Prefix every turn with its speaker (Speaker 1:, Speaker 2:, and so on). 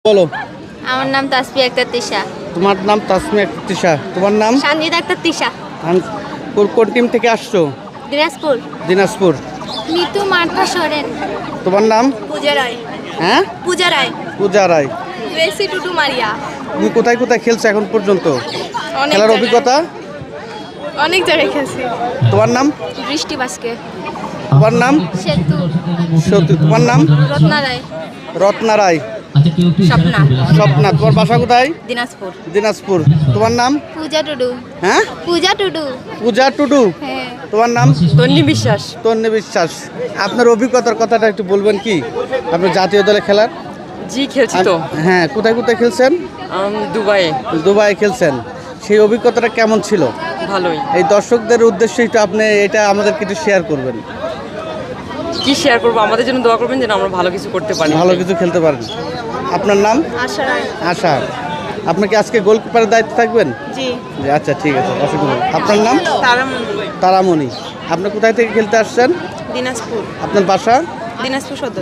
Speaker 1: বলো।
Speaker 2: আমার নাম তাসফিয়া আক্তার তিশা।
Speaker 1: তোমার নাম তাসমিয়া আক্তার তিশা। তোমার নাম?
Speaker 2: সানজিদা আক্তার তিশা।
Speaker 1: কোন টিম থেকে আসছো?
Speaker 2: দিনাজপুর।
Speaker 1: দিনাজপুর।
Speaker 2: নিতু মার্থা সরেন।
Speaker 1: তোমার নাম?
Speaker 2: পূজা রায়।
Speaker 1: হ্যাঁ,
Speaker 2: পূজা রায়।
Speaker 1: পূজা রায়।
Speaker 2: রেসি টুটু মারিয়া।
Speaker 1: তুমি কোথায় কোথায় খেলছো এখন পর্যন্ত?
Speaker 2: অনেক
Speaker 1: খেলার
Speaker 2: জায়গায়।
Speaker 1: অভিজ্ঞতা?
Speaker 2: অনেক জায়গায় খেলছি।
Speaker 1: তোমার নাম?
Speaker 2: বৃষ্টি বাসকে।
Speaker 1: তোমার নাম?
Speaker 2: সেতু।
Speaker 1: সত্যি। তোমার নাম?
Speaker 2: রত্না রায়।
Speaker 1: রত্না রায়।
Speaker 2: স্বপ্না।
Speaker 1: স্বপ্না। তোমার বাসা কোথায়?
Speaker 2: দিনাজপুর।
Speaker 1: দিনাজপুর। তোমার নাম?
Speaker 2: পূজা টুডু।
Speaker 1: হ্যাঁ,
Speaker 2: পূজা টুডু।
Speaker 1: পূজা টুডু।
Speaker 2: হ্যাঁ।
Speaker 1: তোমার নাম?
Speaker 2: তন্নি বিশ্বাস।
Speaker 1: তন্নি বিশ্বাস। আপনার অভিজ্ঞতার কথাটা একটু বলবেন কি? আপনার জাতীয় দলে খেলার?
Speaker 3: জি খেলছি তো।
Speaker 1: হ্যাঁ, কোথায় কোথায় খেলছেন?
Speaker 3: দুবাইয়ে।
Speaker 1: দুবাই খেলছেন। সেই অভিজ্ঞতাটা কেমন ছিল?
Speaker 3: ভালোই।
Speaker 1: এই দর্শকদের উদ্দেশ্যে একটু আপনি এটা আমাদের কিছু শেয়ার করবেন।
Speaker 3: কি শেয়ার করবো, আমাদের জন্য দোয়া করবেন যেন আমরা ভালো কিছু করতে পারি।
Speaker 1: ভালো কিছু খেলতে পারেন। আপনার নাম?
Speaker 2: আশা রায়।
Speaker 1: আশা। আপনি কি আজকে গোলকিপারের দায়িত্বে থাকবেন?
Speaker 2: জি।
Speaker 1: জি, আচ্ছা ঠিক আছে, অসুবিধা নেই। আপনার নাম?
Speaker 2: তারামণি।
Speaker 1: তারামণি। আপনি কোথায় থেকে খেলতে আসছেন?
Speaker 2: দিনাজপুর।
Speaker 1: আপনার বাসা?
Speaker 2: দিনাজপুর সদর।